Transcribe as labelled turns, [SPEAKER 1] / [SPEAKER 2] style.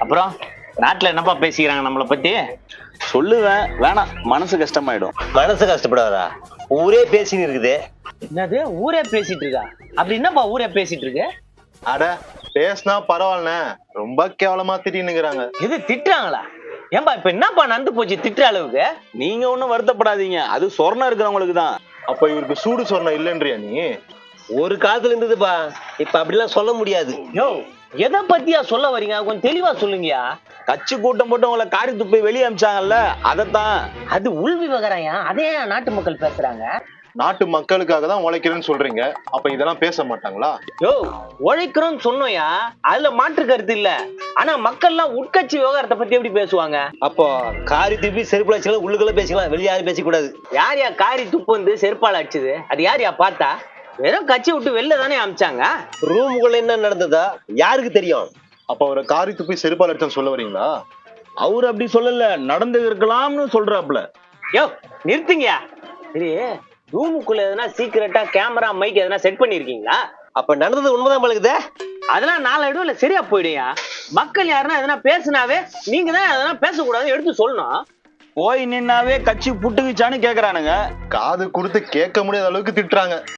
[SPEAKER 1] அப்புறம் நாட்டுல என்னப்பா பேசிக்கிறாங்க நம்மளை பத்தி?
[SPEAKER 2] சொல்லுவேன், வேணாம், மனசு கஷ்டமாயிடும்.
[SPEAKER 3] மனசு கஷ்டப்படாதா? ஊரே பேசின்னு இருக்குது.
[SPEAKER 1] என்னது ஊரே பேசிட்டு இருக்கா? அப்படி என்னப்பா ஊரே பேசிட்டு இருக்கு?
[SPEAKER 4] அட பேசினா பரவாயில்லண்ணே, ரொம்ப கேவலமா திட்டின்னுக்குறாங்க.
[SPEAKER 1] இது திட்டுறாங்களா? ஏன்பா இப்ப என்னப்பா நடந்து போச்சு திட்டுற அளவுக்கு?
[SPEAKER 2] நீங்க ஒண்ணும் வருத்தப்படாதீங்க, அது சொர்ணம் இருக்கிறவங்களுக்கு தான்.
[SPEAKER 4] அப்ப இவருக்கு சூடு சொன்ன இல்லைன்றியா நீ?
[SPEAKER 3] ஒரு காலத்துல இருந்ததுப்பா, இப்ப அப்படிலாம் சொல்ல முடியாது.
[SPEAKER 1] யோ, எதை பத்தியா சொல்ல வரீங்க? கொஞ்சம் தெளிவா சொல்லுங்கயா.
[SPEAKER 2] கட்சி கூட்டம் போட்டு உங்களை காரி துப்பி வெளியே அமிச்சாங்கல்ல, அதத்தான்.
[SPEAKER 1] அது உள் விவகாரம். அதே நாட்டு மக்கள் பேசுறாங்க.
[SPEAKER 4] நாட்டு மக்களுக்காக தான் உழைக்கிறேன்னு சொல்றீங்க, அப்ப இதெல்லாம் பேச மாட்டாங்களா?
[SPEAKER 1] யோ, உழைக்கிறோம்னு சொன்னோயா, அதுல மாற்று கருத்து இல்ல. ஆனா மக்கள்லாம் உட்கட்சி விவகாரத்தை பத்தி எப்படி பேசுவாங்க?
[SPEAKER 3] அப்போ காரி திருப்பி செருப்புல வச்சுக்கலாம், உள்ளுக்குள்ள பேசிக்கலாம், வெளியே யாரும் பேசக்கூடாது.
[SPEAKER 1] யார் காரி துப்பு வந்து செருப்பால் அடிச்சது? அது யார் பார்த்தா? வெறும் கட்சி விட்டு வெளில தானே அமிச்சாங்க.
[SPEAKER 3] ரூமுக்குள்ள என்ன நடந்ததா யாருக்கு தெரியும்?
[SPEAKER 4] அப்ப அவரை காரி துப்பி செருப்பால் அடிச்சான்னு சொல்ல வரீங்களா?
[SPEAKER 2] அவரு அப்படி சொல்லல, நடந்து இருக்கலாம்னு சொல்றாப்ல.
[SPEAKER 1] யோ நிறுத்துங்கயா. சரி, ரூமுக்குள்ள எதனா சீக்கிரட்டா கேமரா மைக் எதனா செட் பண்ணிருக்கீங்களா?
[SPEAKER 3] அப்ப நடந்தது உண்மைதான் பழகுதே.
[SPEAKER 1] அதெல்லாம் நாளடைவுல இல்ல சரியா போயிடுயா. மக்கள் யாருன்னா எதனா பேசினாவே நீங்க தான் எதனா பேசக்கூடாது எடுத்து சொல்லணும்.
[SPEAKER 2] போய் நின்னாவே கட்சி புட்டுக்குச்சான்னு கேக்குறானுங்க.
[SPEAKER 4] காது கொடுத்து கேட்க முடியாத அளவுக்கு திட்டுறாங்க.